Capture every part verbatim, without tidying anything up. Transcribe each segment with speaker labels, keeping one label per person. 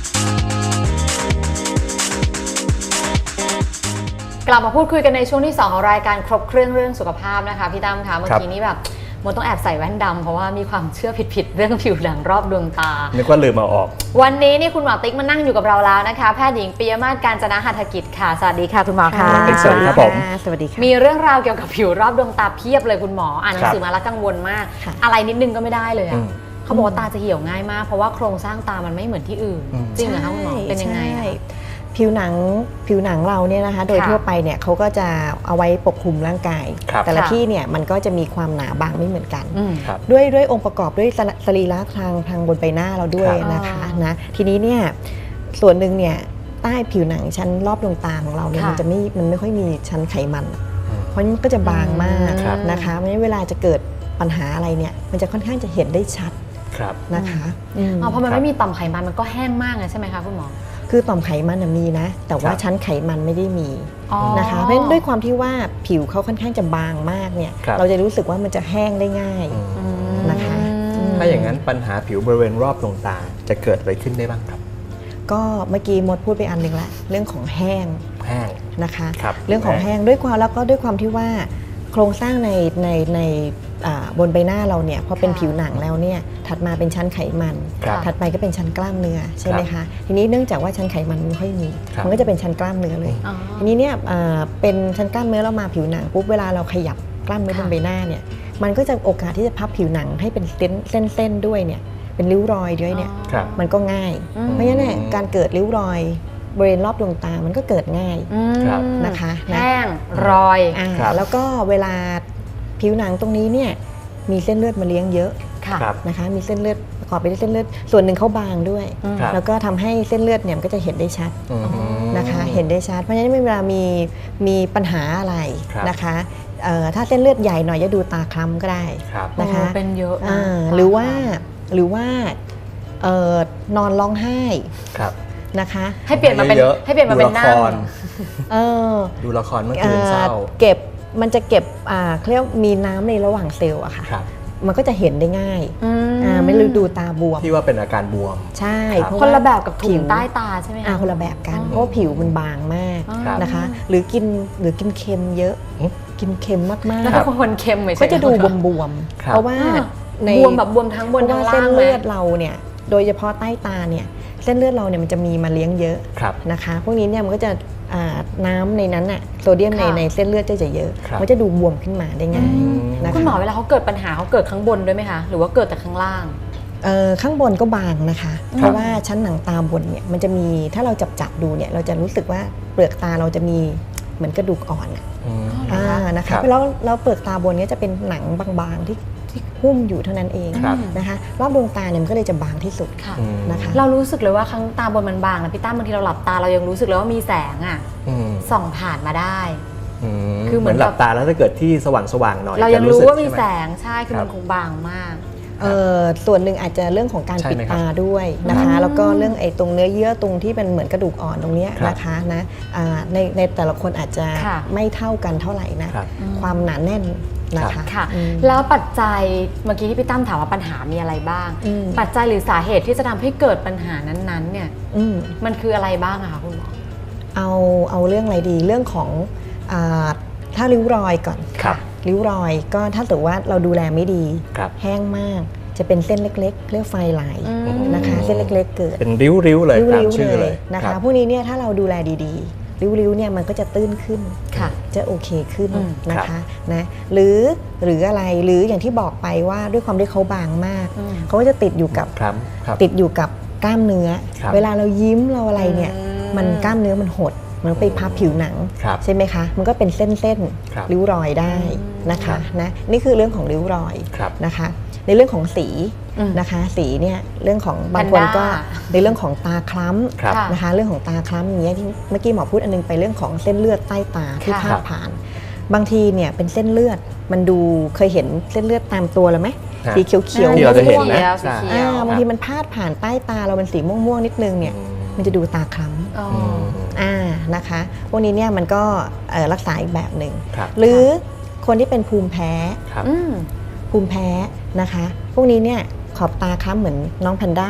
Speaker 1: กลับมาพูดคุยกันในช่วงที่สองของรายการครบเครื่องเรื่องสุขภาพนะคะพี่ตั้มคะเมื่อกี้นี้แบบมดต้องแอบใส่แว่นดำเพราะว่ามีความเชื่อผิดๆเรื่องผิวหนังรอบดวงตา
Speaker 2: นึกว่าลืมเอาออก
Speaker 1: วันนี้นี่คุณหมอติ๊กมานั่งอยู่กับเราแล้วนะคะแพทย์หญิงปิยมาศ กาญจนหัตถกิจค่ะสวัสดีค่ะคุณหมอค่ะ
Speaker 2: สวัสดีครับผม
Speaker 3: สวัสดีค่ะ
Speaker 1: มีเรื่องราวเกี่ยวกับผิวรอบดวงตาเพียบเลยคุณหมออ่านหนังสือมาแล้วกังวลมากอะไรนิดนึงก็ไม่ได้เลยอะเขาบอกว่าตาจะเหี่ยวง่ายมากเพราะว่าโครงสร้างตามันไม่เหมือนที่อื่นจริงเหรอคะคุณหมอเป็นยังไง
Speaker 3: ผิวหนังผิวหนังเราเนี่ยนะคะโดยทั่วไปเนี่ยเขาก็จะเอาไว้ปกคลุมร่างกายแต่ละที่เนี่ยมันก็จะมีความหนาบางไม่เหมือนกันด้วยด้วยองค์ประกอบด้วยสรีระทางทางบนใบหน้าเราด้วยนะคะนะทีนี้เนี่ยส่วนหนึ่งเนี่ยใต้ผิวหนังชั้นรอบดวงตาของเราเนี่ยมันจะไม่มันไม่ค่อยมีชั้นไขมันเพราะมันก็จะบางมากนะคะเพราะฉะนั้นเวลาจะเกิดปัญหาอะไรเนี่ยมันจะค่อนข้างจะเห็นได้ชัดนะคะ
Speaker 1: อ๋อเพราะมันไม่มีต่อมไขมันมันก็แห้งมากเลยใช่ไหมคะคุณหมอ
Speaker 3: คือต่อมไขมันมีนะแต่ว่าชั้นไขมันไม่ได้มีนะคะเพราะฉะนั้นด้วยความที่ว่าผิวเขาค่อนข้างจะบางมากเนี่ยเราจะรู้สึกว่ามันจะแห้งได้ง่ายนะคะ
Speaker 2: ถ้าอย่างนั้นปัญหาผิวบริเวณรอบดวงตาจะเกิดอะไรขึ้นได้บ้างครับ
Speaker 3: ก็เมื่อกี้มดพูดไปอันหนึ่งละเรื่องของแห้ง
Speaker 2: แห้ง
Speaker 3: นะคะเรื่องของแห้งด้วยความแล้วก็ด้วยความที่ว่าโครงสร้างในในในบนใบหน้าเราเนี่ยพอเป็นผิวหนังแล้วเนี่ยถัดมาเป็นชั้นไขมันถัดไปก็เป็นชั้นกล้ามเนื้อใช่ไหมคะทีนี้เนื่องจากว่าชั้นไขมันไม่ค่อยมีมันก็จะเป็นชั้นกล้ามเนื้อเลยทีนี้เนี่ยเป็นชั้นกล้ามเนื้อแล้วมาผิวหนังปุ๊บเวลาเราขยับกล้ามเนื้อบนใบหน้าเนี่ยมันก็จะโอกาสที่จะพับผิวหนังให้เป็นเส้นเส้นเส้นด้วยเนี่ยเป็นริ้วรอยด้วยเนี่ยมันก็ง่ายเพราะฉะนั้นเนี่ยการเกิดริ้วรอยบริเวณรอบดวงตามันก็เกิดง่ายนะคะ
Speaker 1: แห้งรอย
Speaker 3: แล้วก็เวลาผิวหนังตรงนี้เนี่ยมีเส้นเลือดมาเลี้ยงเยอะนะคะมีเส้นเลือดประกอบไปด้วยเส้นเลือดส่วนหนึ่งเขาบางด้วยแล้วก็ทำให้เส้นเลือดเนี่ยมันก็จะเห็นได้ชัดนะคะเห็นได้ชัดเพราะฉะนั้นเวลามีมีปัญหาอะไรนะคะถ้าเส้นเลือดใหญ่หน่อยจะดูตาคล้ำก็ได้นะคะ
Speaker 1: เป็นเยอะ
Speaker 3: หรือว่าหรือว่านอนร้องไห้นะคะ
Speaker 1: ให้เปลี่ยนมาเป็นให้เปลี่ยนมาเป็นนั่ง
Speaker 2: ดูละครเมื่อคืนเศร้า
Speaker 3: เก็บมันจะเก็บเขาเรียกมีน้ำในระหว่างเซลล์อะค่ะมันก็จะเห็นได้ง่ายไม่ลืมดูตาบวม
Speaker 2: ที่ว่าเป็นอาการบวม
Speaker 3: ใช่
Speaker 1: คนละแบบกับถุงใต้ตาใช่ไหมคะ
Speaker 3: คนละแบบกันเพราะผิวมันบางมากนะคะหรือกินหรือกินเค็มเยอะกินเค็มมากๆ
Speaker 1: แล้วคนเค็ม
Speaker 3: ก็จะดูบวมๆเพราะว่า
Speaker 1: ในบวมแบบบวมทั้งบนทั้งล่าง
Speaker 3: เส้นเลือดเราเนี่ยโดยเฉพาะใต้ตาเนี่ยเส้นเลือดเราเนี่ยมันจะมีมาเลี้ยงเยอะนะคะพวกนี้เนี่ยมันก็จะน้ำในนั้นน่ะโซเดียมในในเส้นเลือดจะเยอะมันจะดูบวมขึ้นมาได้ง่ายนะคะ
Speaker 1: คุณหมอเวลาเขาเกิดปัญหาเขาเกิดข้างบนด้วยไหมคะหรือว่าเกิดแต่ข้างล่าง
Speaker 3: ข้างบนก็บางนะคะเพราะว่าชั้นหนังตาบนเนี่ยมันจะมีถ้าเราจับจับดูเนี่ยเราจะรู้สึกว่าเปลือกตาเราจะมีเหมือนกระดูกอ่อนนะคะแล้วแล้วเปลือกตาบนเนี่ยจะเป็นหนังบางๆที่ที่หุ้มอยู่เท่านั้นเองนะคะรอบดวงตาเนี่ยมันก็เลยจะบางที่สุดนะคะ
Speaker 1: เรารู้สึกเลยว่าข้างตาบนมันบางนะพี่ตั้มบางทีเราหลับตาเรายังรู้สึกเลยว่ามีแสงอ่ะส่องผ่านมาได้
Speaker 2: คือเหมือนหลับตาแล้วถ้าเกิดที่สว่างสว่างหน่อย
Speaker 1: เรายังรู้ว่ามีแสงใช่คือมันคงบางมาก
Speaker 3: ส่วนหนึ่งอาจจะเรื่องของการปิดตาด้วยนะคะแล้วก็เรื่องไอ้ตรงเนื้อเยื่อตรงที่เป็นเหมือนกระดูกอ่อนตรงนี้นะคะนะในในแต่ละคนอาจจะไม่เท่ากันเท่าไหร่นะความหนาแน่นนะคะ
Speaker 1: ค่ะแล้วปัจจัยเมื่อกี้ที่พี่ตั้มถามว่าปัญหามีอะไรบ้างปัจจัยหรือสาเหตุที่จะทำให้เกิดปัญหานั้นๆเนี่ยมันคืออะไรบ้างอะคะคุณหมอ
Speaker 3: เอาเอาเรื่องอะไรดีเรื่องของถ้าริ้วรอยก่อนริ้วรอยก็ถ้าถือว่าเราดูแลไม่ดีแห้งมากจะเป็นเส้นเล็กๆเรียกไฟไหลนะคะเส้นเล็กๆเกิด
Speaker 2: เป็นริ้วๆเลยตามชื่อเลย
Speaker 3: นะคะพวกนี้เนี่ยถ้าเราดูแลดีๆริ้วๆเนี่ยมันก็จะตื้นขึ้นจะโอเคขึ้นนะคะนะหรือหรืออะไรหรืออย่างที่บอกไปว่าด้วยความที่เขาบางมากเขาก็จะติดอยู่กับติดอยู่กับกล้ามเนื้อเวลาเรายิ้มเราอะไรเนี่ยมันกล้ามเนื้อมันหดมันไปพับผิวหนังใช่ไหมคะมันก็เป็นเส้นๆริ้วรอยได้นะคะนะนี่คือเรื่องของริ้วรอยนะคะในเรื่องของสีนะคะสีเนี่ยเรื่องของบางคนก็ในเรื่องของตาคล้ำนะคะเรื่องของตาคล้ำอย่างเงี้ยที่เมื่อกี้หมอพูดอันนึงไปเรื่องของเส้นเลือดใต้ตาที่พาดผ่านบางทีเนี่ยเป็นเส้นเลือดมันดูเคยเห็นเส้นเลือดตามตัวแล้วไหมสีเขียว
Speaker 2: ๆที่เราจะเห็นนะ
Speaker 3: บางทีมันพาดผ่านใต้ตาเราเป็นสีม่วงๆนิดนึงเนี่ยมันจะดูตาคล้ำอ่านะคะพวกนี้เนี่ยมันก็รักษาอีกแบบหนึ่งหรือคนที่เป็นภูมิแพ้ภูมิแพ้นะคะพวกนี้เนี่ยขอบตาคล้ำเหมือนน้องแพนด้า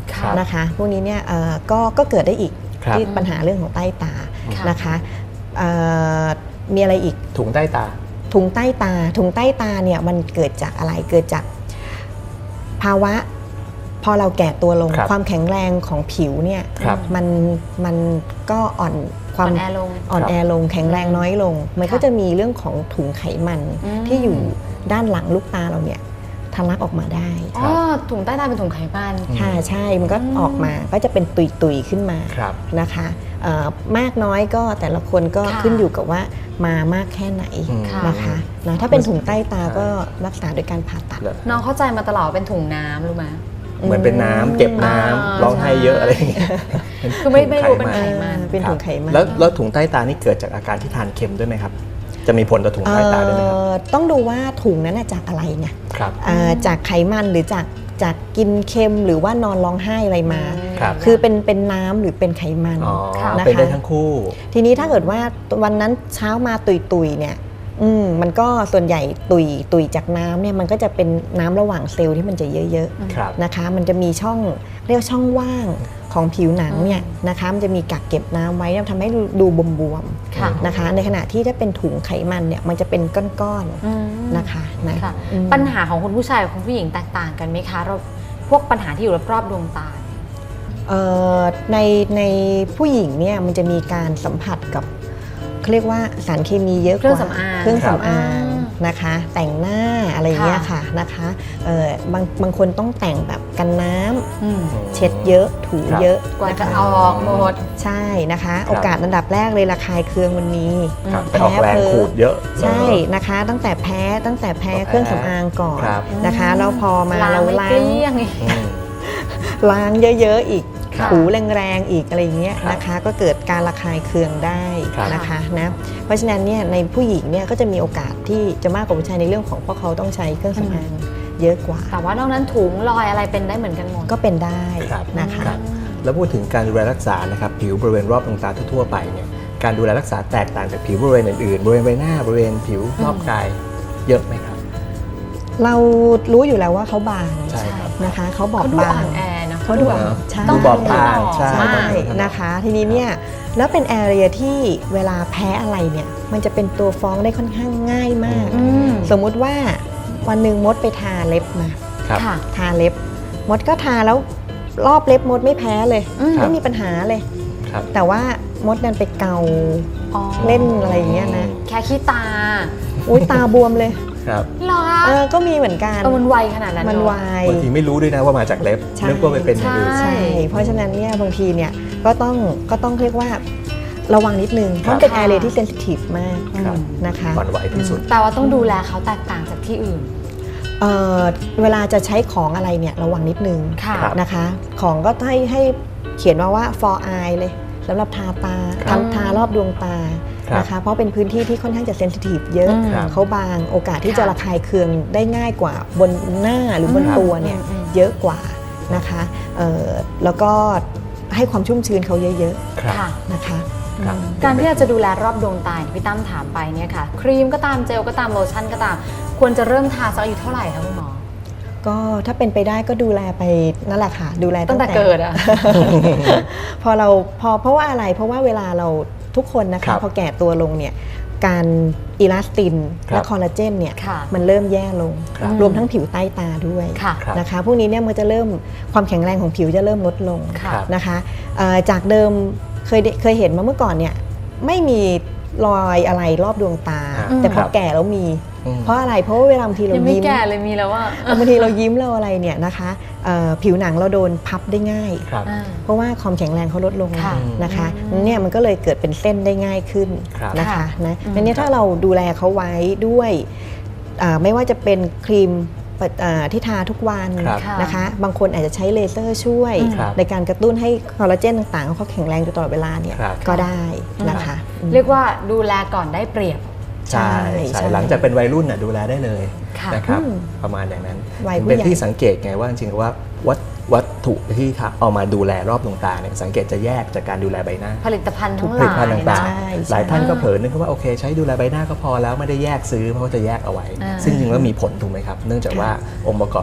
Speaker 3: นะคะพวกนี้เนี่ยก็ก็เกิดได้อีก
Speaker 2: ครับ
Speaker 3: ที่ปัญหาเรื่องของใต้ตา
Speaker 1: ค่ะ
Speaker 3: นะคะเอ่อมีอะไรอีก
Speaker 2: ถุงใต้ตา
Speaker 3: ถุงใต้ตาถุงใต้ตาเนี่ยมันเกิดจากอะไรเกิดจากภาวะพอเราแก่ตัวลง
Speaker 2: ครับ
Speaker 3: ความแข็งแรงของผิวเนี่ย
Speaker 2: ครับ
Speaker 3: มันมันก็อ่อนความ
Speaker 1: อ่อนแอลง
Speaker 3: อ่อนแอลงแข็งแรงน้อยลง มันก็
Speaker 1: ค่ะ
Speaker 3: จะมีเรื่องของถุงไขมัน
Speaker 1: อืม
Speaker 3: ที่อยู่ด้านหลังลูกตาเราเนี่ยทะลักออกมาได้
Speaker 1: อ๋อถุงใต้ตาเป็นถุงไขมัน
Speaker 3: ค่ะใช่มันก็
Speaker 1: อืม
Speaker 3: ออกมาก็จะเป็นตุยๆขึ้นมา
Speaker 2: ครับ
Speaker 3: นะคะเอ่อมากน้อยก็แต่ละคนก็
Speaker 1: ค่ะ
Speaker 3: ขึ้นอยู่กับว่ามามากแค่ไหน
Speaker 2: อืม
Speaker 3: นะคะนะถ้าเป็นถุงใต้ตาก็รักษาโดยการผ่าตัด
Speaker 2: เหรอ
Speaker 1: น้องเข้าใจมาตลอดว่าเป็นถุงน้ำรู้ไหม
Speaker 2: เหมือนเป็นน้ำเก็บน้ำ
Speaker 1: อ่า
Speaker 2: ร้องไห้เยอะอะไรอย่างเงี้ย
Speaker 1: คือไม่ไม่รู้เป็น
Speaker 2: ถุง
Speaker 1: ไข
Speaker 2: ไข
Speaker 1: มัน
Speaker 3: เป็น
Speaker 2: ครับ
Speaker 3: ถุงไขมัน
Speaker 2: แล้วแล้วถุงใต้ตานี่เกิดจากอาการที่ทานเค็มด้วยไหมครับ จะมีผลต่อถุงใต้ตาด้วยไหมครับ
Speaker 3: เอ่อต้องดูว่าถุงนั้นน่ะจากอะไรไง
Speaker 2: ครับ
Speaker 3: อ่าจากไขมันหรือจากจากกินเค็มหรือว่านอนร้องไห้อะไรมา
Speaker 2: ครับ
Speaker 3: คือเป็นเป็นน้ำหรือเป็นไขมัน
Speaker 2: อ๋อ
Speaker 3: นะ
Speaker 2: เป็นได้
Speaker 3: คะ
Speaker 2: ทั้งคู่
Speaker 3: ทีนี้ถ้าเกิดว่าวันนั้นเช้ามาตุยตุยๆเนี่ยอืมมันก็ส่วนใหญ่ตุยตุยจากน้ำเนี่ยมันก็จะเป็นน้ำระหว่างเซลล์ที่มันจะเยอะ
Speaker 2: ครับ
Speaker 3: ๆนะคะมันจะมีช่องเรียกว่าช่องว่างของผิวหนังเนี่ยนะคะมันจะมีกักเก็บน้ำไว้เนี่ยทำให้ดูบวม
Speaker 1: ค่ะ
Speaker 3: ๆนะคะในขณะที่ถ้าเป็นถุงไขมันเนี่ยมันจะเป็นก้อน
Speaker 1: อืม
Speaker 3: ๆนะคะนะ
Speaker 1: ค่ะ
Speaker 3: อืม
Speaker 1: ปัญหาของคุณผู้ชายกับคุณผู้หญิงแตกต่างกันไหมคะเราพวกปัญหาที่อยู่รอบๆดวงตา
Speaker 3: เอ่อในในผู้หญิงเนี่ยมันจะมีการสัมผัสกับเขาเรียกว่าสารเคมีเยอะกว่า
Speaker 1: เครื่องสำอาง
Speaker 3: เครื่องสำอาง
Speaker 1: ครับ
Speaker 3: นะคะ แต่งหน้าอะไรเงี้ยค่ะนะคะเอ่อบางบางคนต้องแต่งแบบกันน้ำ
Speaker 1: อืม
Speaker 3: เช็ดเยอะถู
Speaker 2: ครับ
Speaker 3: เยอะ
Speaker 1: กว่า
Speaker 3: นะ
Speaker 1: จะ
Speaker 3: คะ
Speaker 1: ออกหมด
Speaker 3: ใช่นะคะ โอกาสอันดับแรกเลยระคายเคืองวันนี้
Speaker 2: ครับ
Speaker 3: แพ้
Speaker 2: ไปออกแรง
Speaker 3: เพ้อ
Speaker 2: ขูดเยอะ
Speaker 3: ใช่นะคะ ตั้งแต่แพ้ตั้งแต่แพ้
Speaker 2: ก็แพ้
Speaker 3: เครื่องสำอางก่อน
Speaker 2: ครับ
Speaker 3: นะคะแล้วพอมา
Speaker 1: ล้าง
Speaker 3: เรา
Speaker 1: ไม่
Speaker 3: ล้า
Speaker 1: เก
Speaker 3: ง
Speaker 1: ลี้ยงอีก
Speaker 2: อืม
Speaker 3: ล้างเยอะๆอีก
Speaker 1: ค่ะ
Speaker 3: ถูแรงๆอีกอะไรเงี้ย
Speaker 2: ครับ
Speaker 3: นะคะ ก็เกิดการระคายเคืองได้
Speaker 2: ครับ
Speaker 3: นะคะนะเพราะฉะนั้นเนี่ยในผู้หญิงเนี่ยก็จะมีโอกาสที่จะมากกว่าผู้ชายในเรื่องของเพราะเขาต้องใช้เครื่องสำอางเยอะกว่า
Speaker 1: แต่ว่านอกนั้นถุงรอยอะไรเป็นได้เหมือนกันหมด
Speaker 3: ก็เป็นได้
Speaker 2: ครับ
Speaker 3: นะคะ
Speaker 2: ครับ แล้วพูดถึงการดูแลรักษานะครับผิวบริเวณรอบดวงตาทั่วๆไปเนี่ยการดูแลรักษาแตกต่างจากผิวบริเวณอื่นๆบริเวณใบหน้าบริเวณผิวรอบกายเยอะไหมครับ
Speaker 3: เรารู้อยู่แล้วว่าเขาบาง
Speaker 2: ใช่ครับ
Speaker 3: นะคะเขาบอ
Speaker 1: เขา
Speaker 3: บ
Speaker 1: ดู
Speaker 3: บา
Speaker 1: อ่อง นแอเนาะ
Speaker 3: เขาดู
Speaker 2: เนอะ
Speaker 3: ใช่
Speaker 2: ดูบอบบางใช่
Speaker 3: ใช่
Speaker 2: ต้องดู
Speaker 3: นะคะ ทีนี้เนี่ยแล้วเป็นแอเรียที่เวลาแพ้อะไรเนี่ยมันจะเป็นตัวฟ้องได้ค่อนข้างง่ายมาก
Speaker 1: อืม
Speaker 3: สมมุติว่าวันหนึ่งมดไปทาเล็บมา
Speaker 2: ครับ
Speaker 1: ค่ะ
Speaker 3: ทาเล็บ มดก็ทาแล้วรอบเล็บมดไม่แพ้เลย
Speaker 1: อืม
Speaker 3: ไม่มีปัญหาเลย
Speaker 2: ครับ
Speaker 3: แต่ว่ามดดันไปเกา
Speaker 1: อ๋อ
Speaker 3: เล่นอะไรอย่างเงี้ยนะ
Speaker 1: แค่ขี้ตา
Speaker 3: อุ้ยตาบวมเลย
Speaker 2: ครับ
Speaker 1: เหรอ
Speaker 3: เออก็มีเหมือนกัน
Speaker 1: เออมันไวขนาดนั้น
Speaker 3: มัน
Speaker 1: เอะ
Speaker 3: ไว
Speaker 2: บางทีไม่รู้ด้วยนะว่ามาจากเล็บ
Speaker 3: ใช่
Speaker 2: นึกว่าไปเป็นอย่างอื่น
Speaker 1: ใช่
Speaker 3: ใช่ เพราะฉะนั้นเนี่ยบางทีเนี่ยก็ต้องก็ต้องเรียกว่าระวังนิดนึง เพราะมันเป็น
Speaker 1: ค่ะ
Speaker 3: แอเรียที่เซนซิทีฟมาก
Speaker 2: ครับ
Speaker 3: นะคะ
Speaker 2: อ่อนไหวที่สุด
Speaker 1: แต่ว่าต้องดูแลเขาแตกต่างจากที่อื่น
Speaker 3: เอ่อเวลาจะใช้ของอะไรเนี่ยระวังนิดนึง
Speaker 1: ค่ะ
Speaker 2: ครับ
Speaker 3: นะคะ ของก็ให้ให้เขียนมาว่า for eye เลยสำหรับทาตา
Speaker 2: ครับ
Speaker 3: ทำทารอบดวงตา
Speaker 2: ครับ
Speaker 3: นะคะ เพราะเป็นพื้นที่ที่ค่อนข้างจะเซนซิทีฟเยอะ
Speaker 1: อืม
Speaker 2: ครับ
Speaker 3: เขาบางโอกาสที่
Speaker 1: ค่ะ
Speaker 3: จะระคายเคืองได้ง่ายกว่าบนหน้าหรือบน
Speaker 1: อืม
Speaker 3: ตัวเนี่ย
Speaker 1: อืมอืม
Speaker 3: เยอะกว่านะคะเอ่อแล้วก็ให้ความชุ่มชื้นเขาเยอะ
Speaker 2: ครับ
Speaker 1: ค่ะ
Speaker 3: ๆนะคะ
Speaker 2: ครับ
Speaker 1: การที่เราจะดูแลรอบดวงตาที่พี่ตั้มถามไปเนี่ยค่ะ ครีมก็ตามเจลก็ตามโลชั่นก็ตาม ควรจะเริ่มทาสักอายุเท่าไหร่คะคุณหมอ
Speaker 3: ก็ถ้าเป็นไปได้ก็ดูแลไปนั่นแหละค่ะ ดูแล
Speaker 1: ตั้งแต่เกิดอะ
Speaker 3: พอเราพอเพราะว่าอะไรเพราะว่าเวลาเราทุกคนนะ
Speaker 2: ครั
Speaker 3: คะ
Speaker 2: บ
Speaker 3: พอแก่ตัวลงเนี่ยการอิลาสติน
Speaker 2: ครับ
Speaker 3: และคอลลาเจนเนี่ย
Speaker 1: ค่ะ
Speaker 3: มันเริ่มแย่ลง
Speaker 2: ครับ
Speaker 3: รวมทั้งผิวใต้ตาด้วย
Speaker 1: ค่ะ
Speaker 2: ครับ
Speaker 3: นะคะพวกนี้เนี่ยมันจะเริ่มความแข็งแรงของผิวจะเริ่มลดลง
Speaker 1: ค่ะ
Speaker 2: ครับ
Speaker 3: นะคะเอ่อจากเดิมเคยได้เคยเห็นมาเมื่อก่อนเนี่ยไม่มีรอยอะไรรอบดวงตา
Speaker 2: อืม
Speaker 3: แต่พ
Speaker 2: ครั
Speaker 3: อบ แก่แล้วมี
Speaker 2: อืม
Speaker 3: เพราะอะไรเพราะว่าเวลาบางทีเรา
Speaker 1: ยังไม่
Speaker 3: ยิ้ม
Speaker 1: แก่เลยมีแล้วว่า
Speaker 3: บางทีเรายิ้มเราอะไรเนี่ยนะคะเอ่อผิวหนังเราโดนพับได้ง่าย
Speaker 2: ครับ
Speaker 3: เพราะว่าความแข็งแรงเขาลดลง
Speaker 1: ค่ะ
Speaker 3: นะคะ
Speaker 1: อืม
Speaker 3: เนี่ยมันก็เลยเกิดเป็นเส้นได้ง่ายขึ้น
Speaker 2: ครับ
Speaker 3: นะคะ
Speaker 1: ค่ะ
Speaker 3: นะ
Speaker 1: อืม
Speaker 3: ดังนี้ถ้าเราดูแลเขาไว้ด้วยอ่าไม่ว่าจะเป็นครีมปะอ่าที่ทาทุกวัน
Speaker 2: ครับ
Speaker 3: นะคะ บางคนอาจจะใช้เลเซอร์ช่วย
Speaker 2: ครับ
Speaker 3: ในการกระตุ้นให้คอลลาเจนต่างๆเขาแข็งแรงอยู่ตลอดเวลาเนี่ย
Speaker 2: ครับ
Speaker 3: ก็ได้นะคะอืม
Speaker 1: เรียกว่าดูแลก่อนได้เปรียบ
Speaker 2: ใช่
Speaker 3: ใช่
Speaker 2: ใช่
Speaker 3: ใช่
Speaker 2: หลังจากเป็นวัยรุ่นน่ะดูแลได้เลย
Speaker 1: ค่ะ
Speaker 2: นะครับ
Speaker 3: อืม
Speaker 2: ประมาณอย่างนั้น
Speaker 3: วัยผู้
Speaker 2: เป็น
Speaker 3: ใหญ่
Speaker 2: ที่สังเกตไงว่าจริงๆว่าวัตวัตถุที่เอามาดูแลรอบดวงตาเนี่ยสังเกตจะแยกจากการดูแลใบหน้า
Speaker 1: ผลิตภัณฑ์ทั้ง
Speaker 2: ผ
Speaker 1: ห
Speaker 2: ลิ
Speaker 1: ลา
Speaker 2: ตภัณฑ์
Speaker 1: ย
Speaker 2: ต่าง
Speaker 3: ใช่
Speaker 2: ๆ หลายท่านก็เผลอนึกว่าโอเค ใช้ดูแลใบหน้าก็พอแล้วไม่ได้แยกซื้อเพราะว่าจะแยกเอาไว้
Speaker 1: อ่า
Speaker 2: ซึ่งจริงๆแล้วมีผลถูกไหมครับ เนื่องจากว่าองค์ประกอบต่างๆอาจจะ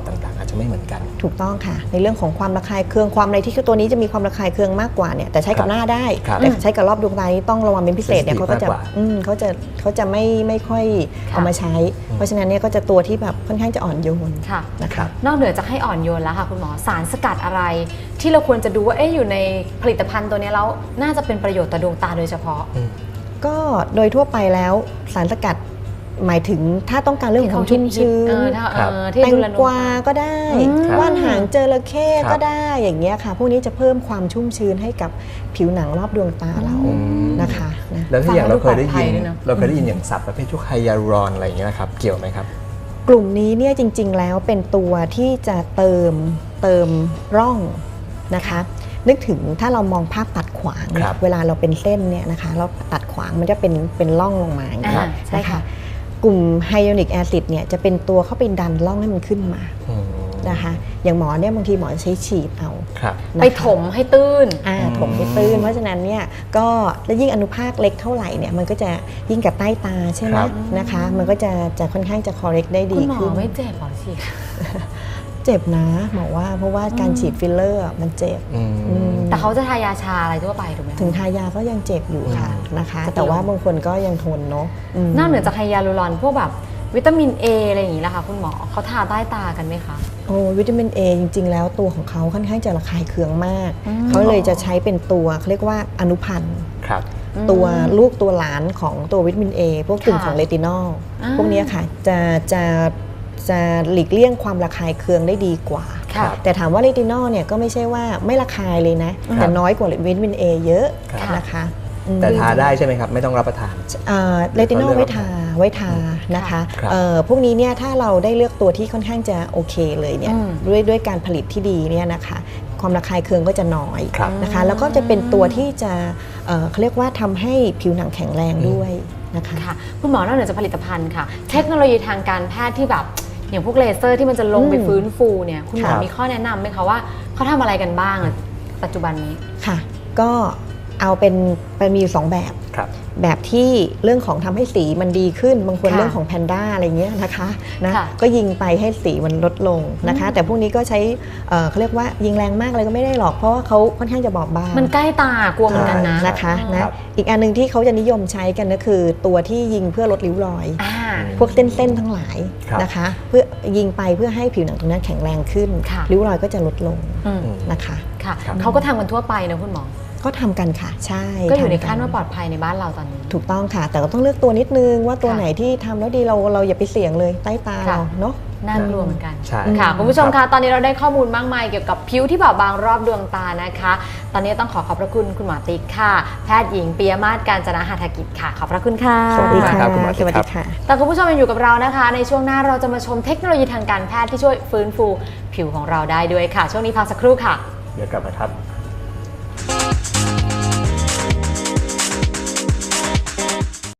Speaker 2: จะไม่เหมือนกัน
Speaker 3: ถูกต้องค่ะในเรื่องของความระคายเคืองความอะไรที่ตัวนี้จะมีความระคายเคืองมากกว่าเนี่ยแต่ใช้กับหน้าได้แต่ใช้กับรอบดวงตานี้ต้องระวังเป็นพิเศษเนี่ยเขาก็จะอืมเขาจะเขาจะไม่ไม่ค่อยเอามาใช้ เพราะฉะนั้นเนี่ยก็จะตัวที่แบบค่อนข้างจะอ่อนโยนนะคะ
Speaker 1: นอกเหนือจากให้อ่อนโยนแล้วค่ะคุณหมอสารสกัดอะไรที่เราควรจะดูว่าเอ๊ะอยู่ในผลิตภัณฑ์ตัวนี้แล้วน่าจะเป็นประโยชน์ต่อดวงตาโดยเฉพาะ
Speaker 3: ก็โดยทั่วไปแล้วสารสกัดหมายถึงถ้าต้องการเรื่องของความชุ่มชื้นแตงกวาก็ได้ว่านหางจระเข้ก็ได้อย่างเงี้ยค่ะพวกนี้จะเพิ่มความชุ่มชื้นให้กับผิวหนังรอบดวงตาเรานะคะ
Speaker 2: แล้วที่อย่างเราเคยได้ยินเราเคยได้ยินอย่างศัพท์ประเภทพวกไฮยาลูรอนอะไรอย่างเงี้ยนะครับเกี่ยวไหมครับ
Speaker 3: กลุ่มนี้เนี่ยจริงๆแล้วเป็นตัวที่จะเติมเติมร่องนะคะนึกถึงถ้าเรามองภาพตัดขวางเวลาเราเป็นเส้นเนี่ยนะคะเราตัดขวางมันจะเป็นเป็นร่องลงมาอย่างนี้ใช่ค่ะกลุ่มไฮยาลูรอนิกแอซิดเนี่ยจะเป็นตัวเข้าไปดันร่องให้มันขึ้นมานะคะอย่างหมอเนี่ยบางทีหมอใช้ฉีดเอา
Speaker 1: ไปถมให้ตื้น
Speaker 3: อ่าถมให้ตื้นเพราะฉะนั้นเนี่ยก็แล้วยิ่งอนุภาคเล็กเท่าไหร่เนี่ยมันก็จะยิ่งกับใต้ตาใช่ไหมนะคะมันก็จะจะค่อนข้างจะ correct ได้ดีขึ้น
Speaker 1: คุณหมอไม่เจ็บหรอฉีด
Speaker 3: เจ็บนะหมอว่าเพราะว่าการฉีดฟิลเลอร์มันเจ็บ
Speaker 1: แต่เขาจะทายาชาอะไรทั่วไปถูกไหม
Speaker 3: ถึงทายาก็ยังเจ็บอยู่ค่ะนะคะแต่ว่าบางคนก็ยังทนเนาะ
Speaker 1: นอกเหนือจากไฮยาลูรอนพวกแบบวิตามิน A อะไรอย่างนี้ล่ะคะคุณหมอเขาทาใต้ตากันไหมคะ
Speaker 3: โอ้วิตามิน A จริงๆแล้วตัวของเขาค่อนข้างจะระคายเคืองมากเขาเลยจะใช้เป็นตัวเขาเรียกว่าอนุพันธ์ตัวลูกตัวหลานของตัววิตามิน A พวกกลุ่มของเรตินอลพวกนี้ค่ะจะจะจะหลีกเลี่ยงความระคายเคืองได้ดีกว่าแต่ถามว่าเรตินอลเนี่ยก็ไม่ใช่ว่าไม่ระคายเลยนะแต่น้อยกว่าวิตามิน A เยอะนะคะ
Speaker 2: แต่ทาได้ใช่ไหมครับไม่ต้องรับประทาน
Speaker 3: เรตินอลไว้ทาไว้ทานะคะพวกนี้เนี่ยถ้าเราได้เลือกตัวที่ค่อนข้างจะโอเคเลยเนี่ยด้วยด้วยการผลิตที่ดีเนี่ยนะคะความระคายเคืองก็จะน้อยนะคะแล้วก็จะเป็นตัวที่จะเขาเรียกว่าทำให้ผิวหนังแข็งแรงด้วยนะคะ
Speaker 1: คุณหมอนอกเหนือจากผลิตภัณฑ์ค่ะเทคโนโลยีทางการแพทย์ที่แบบอย่างพวกเลเซอร์ที่มันจะลงไปฟื้นฟูเนี่ยคุณหมอมีข้อแนะนำไหมคะว่าเขาทำอะไรกันบ้างปัจจุบันนี้
Speaker 3: ค่ะก็เอาเป็นเป็นมีอยู่สองแบบแบบที่เรื่องของทำให้สีมันดีขึ้นบางคนเรื่องของแพนด้าอะไรเงี้ยนะคะนะก็ยิงไปให้สีมันลดลงนะคะแต่พวกนี้ก็ใช้เขาเรียกว่ายิงแรงมากอะไรก็ไม่ได้หรอกเพราะว่าเขาค่อนข้างจะบอบบาง
Speaker 1: มันใกล้ตากลัวเหมือนกันนะ
Speaker 3: นะคะนะอีกอันนึงที่เขาจะนิยมใช้กันก็คือตัวที่ยิงเพื่อลดริ้วรอยพวกเส้นๆทั้งหลายนะคะเพื่อยิงไปเพื่อให้ผิวหนังตรงนั้นแข็งแรงขึ้นริ้วรอยก็จะลดลงนะคะ
Speaker 1: ค่ะเขาก็ทำกันทั่วไปนะคุณหมอ
Speaker 3: ก็ทำกันค่ะใช่
Speaker 1: ก็อยู่ในขั้นว่าปลอดภัยในบ้านเราตอนนี้
Speaker 3: ถูกต้องค่ะแต่ก็ต้องเลือกตัวนิดนึงว่าตัวไหนที่ทำแล้วดีเราเราอย่าไปเสี่ยงเลยใต้ตาเราเนาะ
Speaker 1: น่ากลัวเหมือนกันค่ะคุณผู้ชมคะตอนนี้เราได้ข้อมูลมากมายเกี่ยวกับผิวที่บอบบางรอบดวงตานะคะตอนนี้ต้องขอขอบพระคุณคุณหมอติ๊กค่ะแพทย์หญิงปิยมาศกาญจนาหาถกิจค่ะขอบพระคุณค่ะ
Speaker 2: สวัสดีครับคุณหมอติ๊ก
Speaker 3: ค่ะ
Speaker 1: แต่คุณผู้ชมยังอยู่กับเรานะคะในช่วงหน้าเราจะมาชมเทคโนโลยีทางการแพทย์ที่ช่วยฟื้นฟูผิวของเราได้ด้วยค่ะช่วงนี้พักสักครู่ค่ะ
Speaker 2: เดี๋ยวกลับมาครับ